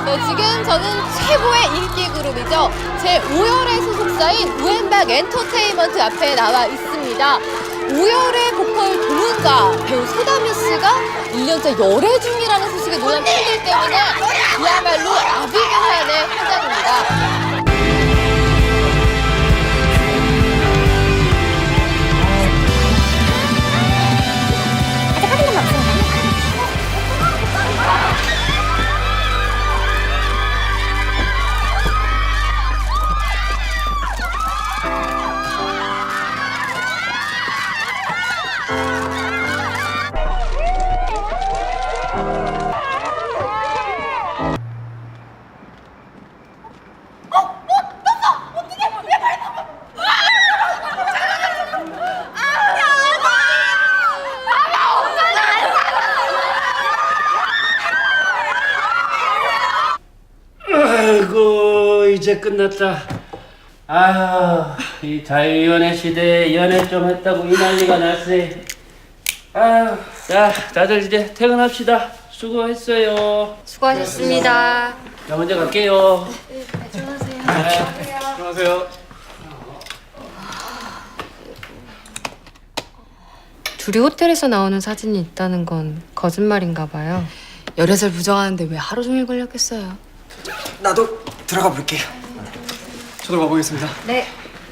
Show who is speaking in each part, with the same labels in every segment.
Speaker 1: 네, 지금 저는 최고의 인기 그룹이죠. 제5열의 소속사인 우엠박 엔터테인먼트 앞에 나와 있습니다. 5열의 보컬 동은가 배우 소다미 씨가 1년째 열애 중이라는 소식에 놀란 팬들 때문에 그야말로 아비규환의 현장입니다.
Speaker 2: 아이고 이제 끝났다. 아휴 이 자유연애 시대에 연애 좀 했다고 이 난리가 났어요. 아휴 자 다들 이제 퇴근합시다. 수고했어요.
Speaker 1: 수고하셨습니다.
Speaker 2: 자 먼저 갈게요.
Speaker 3: 안녕하세요.
Speaker 4: 둘이 호텔에서 나오는 사진이 있다는 건 거짓말인가 봐요.
Speaker 5: 열애설 부정하는데 왜 하루 종일 걸렸겠어요?
Speaker 3: 나도 들어가 볼게요. 저도 가보겠습니다.
Speaker 4: 네.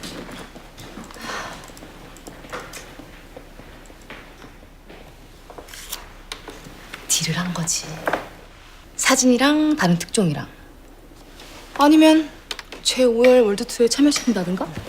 Speaker 5: 딜을 한 거지. 사진이랑 다른 특종이랑. 아니면 제5열 월드2에 참여시킨다든가?